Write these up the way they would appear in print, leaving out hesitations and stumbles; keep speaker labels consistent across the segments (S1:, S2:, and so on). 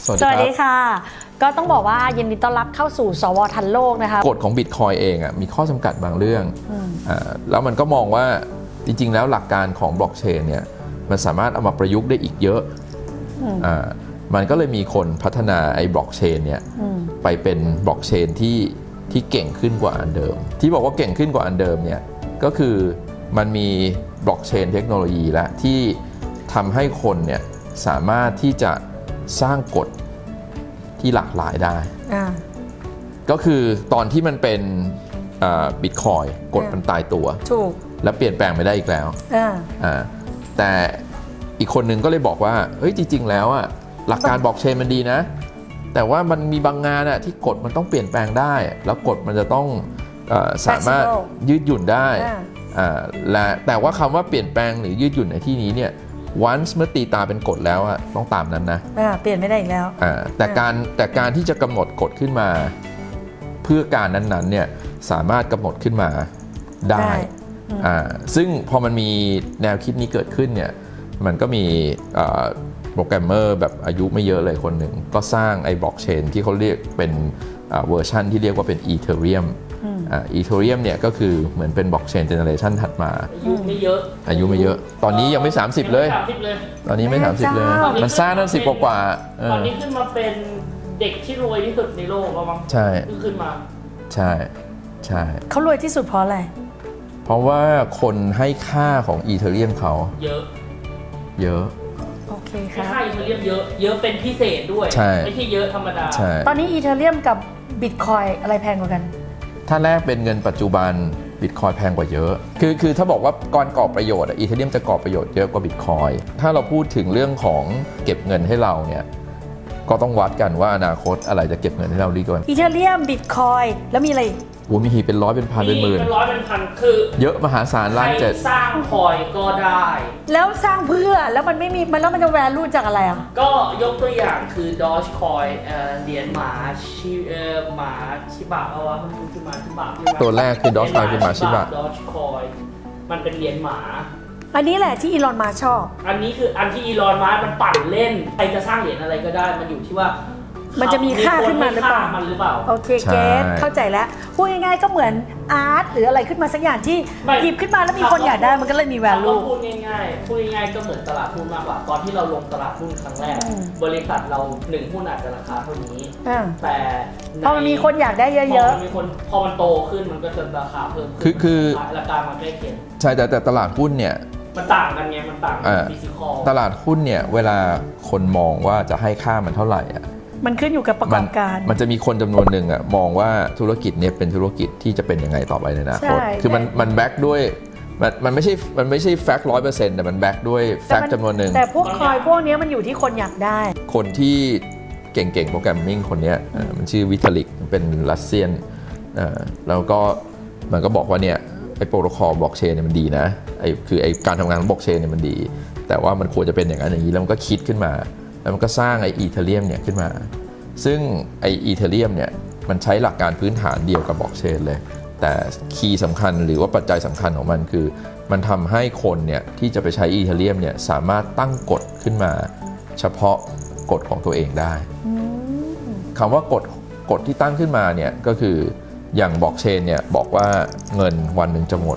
S1: สวัสดีค่ะก็ต้องบอกว่ายินดีต้อนรับเข้าสู่สวทันโลกนะคะ
S2: กฎของ Bitcoin เองมีข้อจำกัดบางเรื่องแล้วมันก็มองว่าจริงๆแล้วหลักการของบล็อกเชนเนี่ยมันสามารถเอามาประยุกต์ได้อีกเยอะมันก็เลยมีคนพัฒนาไอ้บล็อกเชนเนี่ยไปเป็นบล็อกเชนที่เก่งขึ้นกว่าอันเดิมที่บอกว่าเก่งขึ้นกว่าอันเดิมเนี่ยก็คือมันมีบล็อกเชนเทคโนโลยีและที่ทำให้คนเนี่ยสามารถที่จะสร้างกฎที่หลากหลายได้ก็คือตอนที่มันเป็นบิตคอยกฎมันตายตัว
S1: ถูก
S2: และเปลี่ยนแปลงไม่ได้อีกแล้วแต่อีกคนนึงก็เลยบอกว่าเฮ้ยจริงๆแล้วหลักการบล็อกเชนมันดีนะแต่ว่ามันมีบางงานที่กฎมันต้องเปลี่ยนแปลงได้แล้วกฎมันจะต้องสามารถยืดหยุ่นได้และแต่ว่าคำว่าเปลี่ยนแปลงหรือยืดหยุ่นในที่นี้เนี่ยonce เมื่อตีตาเป็นกฎแล้วต้องตามนั้นนะ
S1: เปลี่ยนไม่ได้อีกแล้ว
S2: แต่การที่จะกำหนดกฎขึ้นมาเพื่อการนั้นๆเนี่ยสามารถกำหนดขึ้นมาได้ซึ่งพอมันมีแนวคิดนี้เกิดขึ้นเนี่ยมันก็มีโปรแกรมเมอร์แบบอายุไม่เยอะเลยคนหนึ่งก็สร้างไอ้บล็อกเชนที่เขาเรียกเป็นเวอร์ชันที่เรียกว่าเป็นอีเธเรียมอีเธเรียมเนี่ยก็คือเหมือนเป็นบล็อกเชนเจเนอเรชันถัดมา
S3: อายุไม่เยอะ
S2: ตอนนี้ยังไม่30เลยตอนนี้ไม่30เลยมันสร้างตั้ง10กว่า
S3: ตอนนี้ขึ้นมาเป็นเด็กที่รวยที่สุดในโลกแล้วมั้ง
S2: ใช่
S3: ขึ้นมา
S2: ใช่
S1: เขารวยที่สุดเพราะอะไร
S2: เพราะว่าคนให้ค่าของอีเธเรียมเขาเยอะ
S1: โอเคค่ะ
S3: ค่าอีเธเรียมเยอะเป็นพิเศษด้วยไม่ใช่เยอะธรรมดา
S1: ตอนนี้อีเธเรียมกับบิตคอยอะไรแพงกว่ากัน
S2: ถ้าแลกเป็นเงินปัจจุบันบิตคอยแพงกว่าเยอะคือถ้าบอกว่าก่อนก่อประโยชน์อีเธเรียมจะก่อประโยชน์เยอะกว่าบิตคอยถ้าเราพูดถึงเรื่องของเก็บเงินให้เราเนี่ยก็ต้องวัดกันว่าอนาคตอะไรจะเก็บเงินให้เราดีกว่า
S1: อีเธเรียมบิตคอยแล้วมีอะไร
S2: มีหีเป็นร้อยเป็นพันเป็นหมื่น
S3: เป็นร้อยเป็นพันคือ
S2: เยอะมหาศาลล้านเจ็ด
S3: สร้างคอยก็ได้
S1: แล้วสร้างเพื่อแล้วมันไม่มีมันแล้วมันจะแวลูจากอะไร
S3: ก็ยกตัวอย่างคือ Dogecoin เหรียญหมาชิบะเอาวะมันคือหมาชิบะ
S2: ตัวแรกคือ Dogecoin คือหมาชิบะ
S3: Dogecoin มันเป็นเหรียญหมา
S1: อันนี้แหละที่อีลอนมาชอบ
S3: อันนี้คืออันที่อีลอนมามันปั่นเล่นใครจะสร้างเหรียญอะไรก็ได้มันอยู่ที่ว่า
S1: มันจะมีค่าขึ้นมาหรือเปล่าโอเคเกตเข้าใจแล้วพูดง่ายๆก็เหมือนอาร์ตหรืออะไรขึ้นมาสักอย่างที่หยิบขึ้นมาแล้วมีคนอยากได้มันก็เลยมี value
S3: พูดง่ายๆก็เหมือนตลาดหุ้นมากกว่าตอนที่เราลงตลาดหุ้นครั้งแรกบริษัทเรา1หุ้นอาจจะราคาเท่านี้แต่
S1: พอมันมีคนอยากได้เยอะ
S3: ๆพอมันโตขึ้นมันก็จะราคาเพิ่ม
S2: คือ
S3: ราคามันใกล้เคียง
S2: ใช่แต่ตลาดหุ้นเนี่ย
S3: มันต่างกันไงมันต่างฟิสิกอล
S2: ตลาดหุ้นเนี่ยเวลาคนมองว่าจะให้ค่ามันเท่าไหร่
S1: มันขึ้นอยู่กับประกอบการ
S2: มันจะมีคนจำนวนหนึ่งมองว่าธุรกิจนี้เป็นธุรกิจที่จะเป็นยังไงต่อไปในอนาคตคือมันแบ็กด้วยมันไม่ใช่แฟกต์100%แต่มันแบ็กด้วยแฟกต์จำนวนหนึ่ง
S1: แต่พวกคอยพวกนี้มันอยู่ที่คนอยากได้
S2: คนที่เก่งๆโปรแกรมมิ่งคนนี้มันชื่อวิทาลิกเป็นรัสเซียนแล้วก็มันก็บอกว่าเนี่ยไอ้โปรโตคอลบล็อกเชนเนี่ยมันดีนะคือไอ้การทำงานของบล็อกเชนเนี่ยมันดีแต่ว่ามันควรจะเป็นอย่างนั้นอย่างนี้แล้วมันก็คิดขึ้นมาแล้วมันก็สร้างไอ้อีเธเรียมเนี่ยขึ้นมาซึ่งไอ้อีเธเรียมเนี่ยมันใช้หลักการพื้นฐานเดียวกับบล็อกเชนเลยแต่คีย์สำคัญหรือว่าปัจจัยสำคัญของมันคือมันทำให้คนเนี่ยที่จะไปใช้อีเธเรียมเนี่ยสามารถตั้งกฎขึ้นมาเฉพาะกฎของตัวเองได้คำว่ากฎที่ตั้งขึ้นมาเนี่ยก็คืออย่างบล็อกเชนเนี่ยบอกว่าเงินวันหนึ่งจะหมด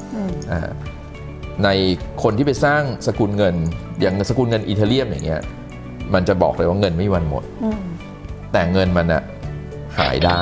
S2: ในคนที่ไปสร้างสกุลเงินอย่างสกุลเงินอีเธเรียมอย่างเงี้ยมันจะบอกเลยว่าเงินไม่มีวันหมดแต่เงินมันหายได้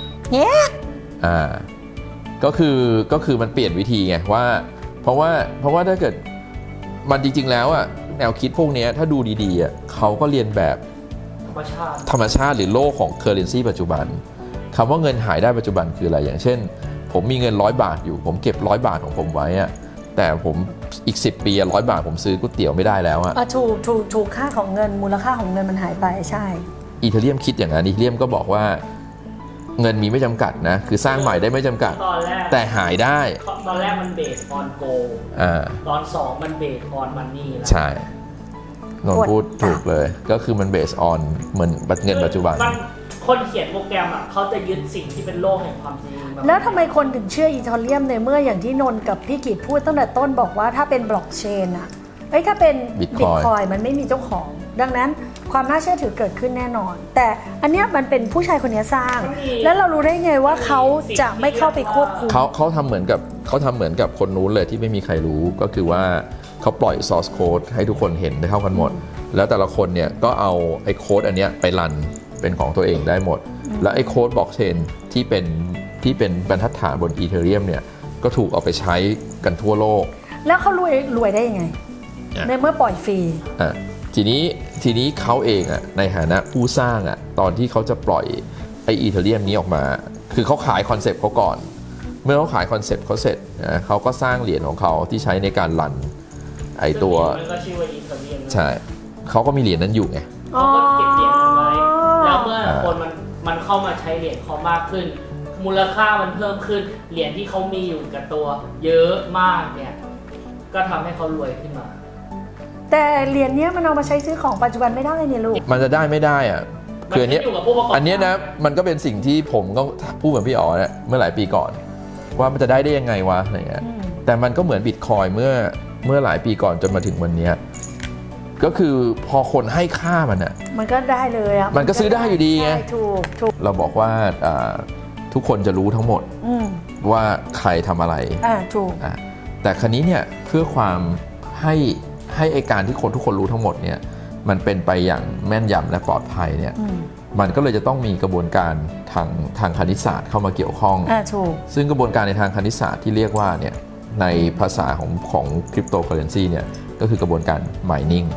S2: ก็คือมันเปลี่ยนวิธีไงว่าเพราะว่าถ้าเกิดมันจริงๆแล้วแนวคิดพวกนี้ถ้าดูดีๆเขาก็เรียนแบบธรรมชาติหรือโลกของเคอร์เรนซีปัจจุบันคำว่าเงินหายได้ปัจจุบันคืออะไรอย่างเช่นผมมีเงิน100 บาทอยู่ผมเก็บ100 บาทของผมไว้แต่ผมอีก10 ปี100 บาทผมซื้อก๋วยเตี๋ยวไม่ได้แล้ว
S1: ถูกค่าของเงินมูลค่าของเงินมันหายไปใช่
S2: อีเธเรียมคิดอย่างนั้นอีเธเรียมก็บอกว่าเงินมีไม่จำกัดนะคือสร้างใหม่ได้ไม่จำกัดแต่หายได้
S3: ตอนแรกมันเบสออนโกตอน2มันเบสออนมันนี่
S2: ใช่นนพูดถูกเลยก็คือมันเบสออนเหมือนเงินปัจจุบัน
S3: คนเขียนโปรแกรมเขาจะยึดสิ่งที่เป็นโลกแห่งความจริง
S1: แล้วทำไมคนถึงเชื่ออีเธเรียมในเมื่ออย่างที่นนกับพี่กิตพูดตั้งแต่ต้นบอกว่าถ้าเป็นบล็อกเชนถ้าเป็นบิตคอยมันไม่มีเจ้าของดังนั้นความน่าเชื่อถือเกิดขึ้นแน่นอน แต่อันเนี้ยมันเป็นผู้ชายคนนี้สร้าง แล้วเรารู้ได้ไงว่าเขาจะไม่เข้าไปควบคุม
S2: เขาทำเหมือนกับคนนู้นเลยที่ไม่มีใครรู้ก็คือว่าเขาปล่อย source code ให้ทุกคนเห็นได้เท่ากันหมด แล้วแต่ละคนเนี่ยก็เอาไอ้โค้ดอันเนี้ยไปรันเป็นของตัวเองได้หมด แล้วไอ้โค้ดบล็อกเชนที่เป็นบรรทัดฐานบนอีเธเรียมเนี่ยก็ถูกเอาไปใช้กันทั่วโลก
S1: แล้วเขารวยได้ยังไงในเมื่อปล่อยฟรี
S2: ทีนี้เขาเองอ่ะในฐานะผู้สร้างอ่ะตอนที่เขาจะปล่อยไออีเธเรียมนี้ออกมาคือเขาขายคอนเซปต์เขาก่อนเมื่อเขาขายคอนเซปต์เขาเสร็จนะเขาก็สร้างเหรียญของเขาที่ใช้ในการรันไอตัว
S3: มันก็ชื่อว่าอีเธเรียม
S2: ใช่เขาก็มีเหรียญนั้นอยู่ไง
S3: เขาก็เก็บเหรียญนั้นไว้แล้วเมื่อคนมันเข้ามาใช้เหรียญเขามากขึ้น มูลค่ามันเพิ่มขึ้นเหรียญที่เขามีอยู่กับตัวเยอะมากเนี่ยก็ทำให้เขารวยขึ้นมา
S1: แต่เหรียญเนี้ยมันเอามาใช้ซื้อของปัจจุบันไม่ได้เนี่ยลูก
S2: มันจะได้ไม่ได้อ่ะคืออันเนี้ยนะมันก็เป็นสิ่งที่ผมก็พูดเหมือนพี่อ๋อเนี่ยเมื่อหลายปีก่อนว่ามันจะได้ยังไงวะอะไรเงี้ยแต่มันก็เหมือนบิตคอยน์เมื่อหลายปีก่อนจนมาถึงวันนี้ก็คือพอคนให้ค่ามันอ่ะ
S1: มันก็ได้เลยอ่ะ
S2: มันก็ซื้อได้อยู่ดีไง
S1: ถูก
S2: เราบอกว่าทุกคนจะรู้ทั้งหมดว่าใครทำอะไร
S1: ถูก
S2: แต่ครั้นี้เนี่ยเพื่อความให้ไอการที่ทุกคนรู้ทั้งหมดเนี่ยมันเป็นไปอย่างแม่นยำและปลอดภัยเนี่ยมันก็เลยจะต้องมีกระบวนการทางคณิตศาสตร์เข้ามาเกี่ยวข้องซึ่งกระบวนการในทางคณิตศาสตร์ที่เรียกว่าเนี่ยในภาษาของคริปโตเคอเรนซีเนี่ยก็คือกระบวนการ mining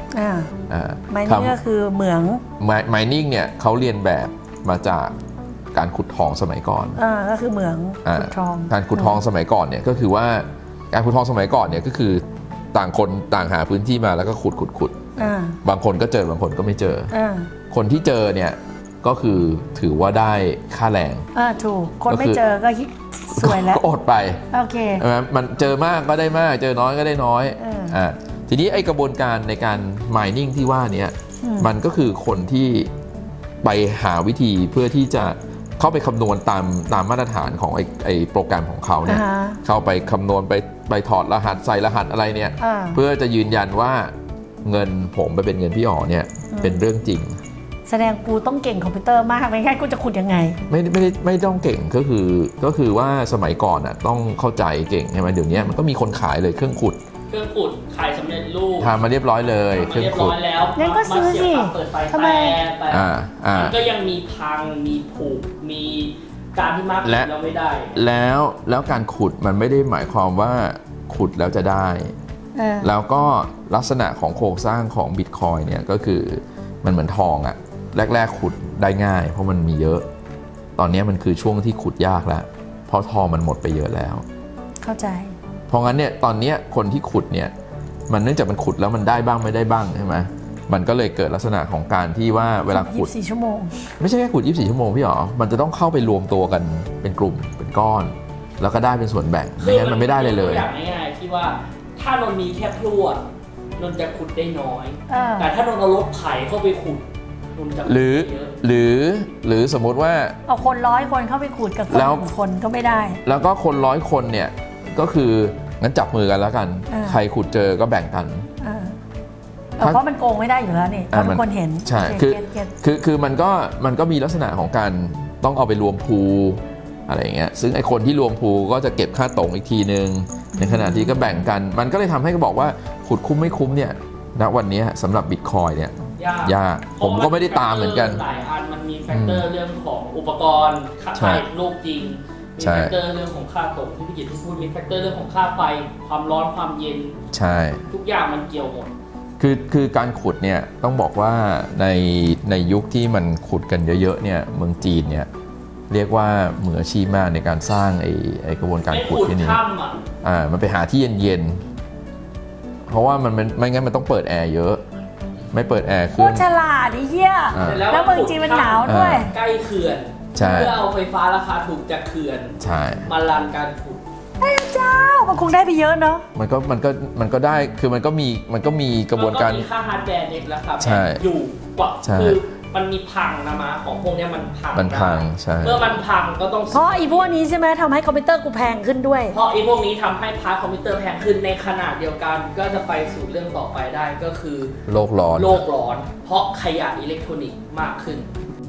S1: mining ก็คือเหมือง
S2: mining เนี่ยเขาเรียนแบบมาจากการขุดทองสมัยก่อน
S1: ก็คือเหมืองขุดทอง
S2: การขุดทองสมัยก่อนเนี่ยก็คือว่าการขุดทองสมัยก่อนเนี่ยก็คือต่างคนต่างหาพื้นที่มาแล้วก็ขุดบางคนก็เจอบางคนก็ไม่เจอคนที่เจอเนี่ยก็คือถือว่าได้ค่าแรง
S1: ถูกคนไม่เจอก็สวยแล้ว
S2: ก็อดไป
S1: โอเค
S2: มันเจอมากก็ได้มากเจอน้อยก็ได้น้อยทีนี้ไอกระบวนการในการ mining ที่ว่านี้มันก็คือคนที่ไปหาวิธีเพื่อที่จะเข้าไปคำนวณตามมาตรฐานของไอโปรแกรมของเขาเนี่ยเข้าไปคำนวณไปถอดรหัสใส่รหัสอะไรเนี่ยเพื่อจะยืนยันว่าเงินผมไปเป็นเงินพี่อ๋อเนี่ยเป็นเรื่องจริง
S1: แสดงกูต้องเก่งคอมพิวเตอร์มากไม่งั้นกูจะขุดยังไง
S2: ไม่ต้องเก่งก็คือว่าสมัยก่อนอ่ะต้องเข้าใจเก่งใช่ไหมเดี๋ยวนี้มันก็มีคนขายเลยเครื่องขุด
S3: ขายสำเร็จรูป
S2: ทำมาเรียบร้อยเลย
S3: เครื่องขุดแล้ว
S1: งั้นก็ซื้อสิ
S3: ทำไมมันก็ยังมีพังมีผุมีการที่มากแล้วไม่ได้
S2: แล้วการขุดมันไม่ได้หมายความว่าขุดแล้วจะได้แล้วก็ลักษณะของโครงสร้างของบิตคอยน์เนี่ยก็คือมันเหมือนทองอะแรกๆขุดได้ง่ายเพราะมันมีเยอะตอนนี้มันคือช่วงที่ขุดยากแล้วเพราะทองมันหมดไปเยอะแล้ว
S1: เข้าใจ
S2: เพราะงั้นเนี่ยตอนนี้คนที่ขุดเนี่ยมันเนื่องจากมันขุดแล้วมันได้บ้างไม่ได้บ้างใช่ไหมมันก็เลยเกิดลักษณะของการที่ว่าเวลาขุด
S1: 24 ชั่วโมง
S2: ไม่ใช่แค่ขุด24 ชั่วโมงพี่หรอมันจะต้องเข้าไปรวมตัวกันเป็นกลุ่มเป็นก้อนแล้วก็ได้เป็นส่วนแบ่งไม่งั้นมันไม่ได้เลย
S3: อย่างง่ายๆที่ว่าถ้านนมีแค่พลั่วนนจะขุดได้น้อยแต่ถ้านนเอารถไถเข้าไปขุดนนจะ
S2: หรือสมมติว่า
S1: เอาคน100 คนเข้าไปขุดกับคนคนก็ไม่ได้
S2: แล้วก็คน100 คนเนี่ยก็คืองั้นจับมือกันแล้วกันใครขุดเจอก็แบ่งกัน
S1: เพราะมันโกงไม่ได้อยู่แล้วนี่ทุกคนเห็น
S2: ใช่คือมันก็มีลักษณะของการต้องเอาไปรวมพูอะไรอย่างเงี้ยซึ่งไอคนที่รวมพูก็จะเก็บค่าตรงอีกทีนึงในขณะที่ก็แบ่งกันมันก็เลยทำให้ก็บอกว่าขุดคุ้มไม่คุ้มเนี่ยณวันนี้สำหรับบิตคอยเนี่ยยากผมก็ไม่ได้ตามเหมือนกัน
S3: หลายอันมันมีแฟกเตอร์เรื่องของอุปกรณ์ค่าไฟโลกจริงมีแฟกเตอร์เรื่องของค่าตกที่พี่กิตที่พูดมีแฟกเตอร์เรื่องของค่าไฟความร้อนความเย็น
S2: ใช่
S3: ทุกอย่างมันเกี่ยวหมด
S2: คือการขุดเนี่ยต้องบอกว่าในยุคที่มันขุดกันเยอะๆเนี่ยเมืองจีนเนี่ยเรียกว่ามืออาชีพมากในการสร้างไอกระบวนการขุดที่นี่มันไปหาที่เย็นๆเพราะว่ามันไม่งั้นมันต้องเปิดแอร์เยอะไม่เปิดแอร์ขึ้นโคตร
S1: ฉลาดไอ้เหี้ยแล้วเมืองจีนมันหนาวด้วย
S3: ใกล้เขื่อนเพื่อเอาไฟฟ้าราคาถูกจากเขื่อนมารันการขุด
S1: ไอ้เจ้ามันคงได้ไปเยอะเนาะ
S2: มันก็ได้คือมันก็มีกระบวนการ
S3: มีค่าฮาร์ดแวร์เน็ตแล้วครับอยู่กว่าคือมันมีพังนะมาของพวกเนี้ยมันพัง
S2: มันพัง
S3: ได้
S2: ใช่
S3: เมื่อมันพังก็ต้อง
S1: เพราะอีพวกนี้ใช่ไหมทำให้คอมพิวเตอร์กูแพงขึ้นด้วย
S3: เพราะไอ้พวกนี้ทำให้พาร์ทคอมพิวเตอร์แพงขึ้นในขนาดเดียวกัน ก็จะไปสู่เรื่องต่อไปได้ก็คือ
S2: โลกร้อน
S3: โลกร้อน เพราะขยะอิเล็กทรอนิกส์มากขึ้น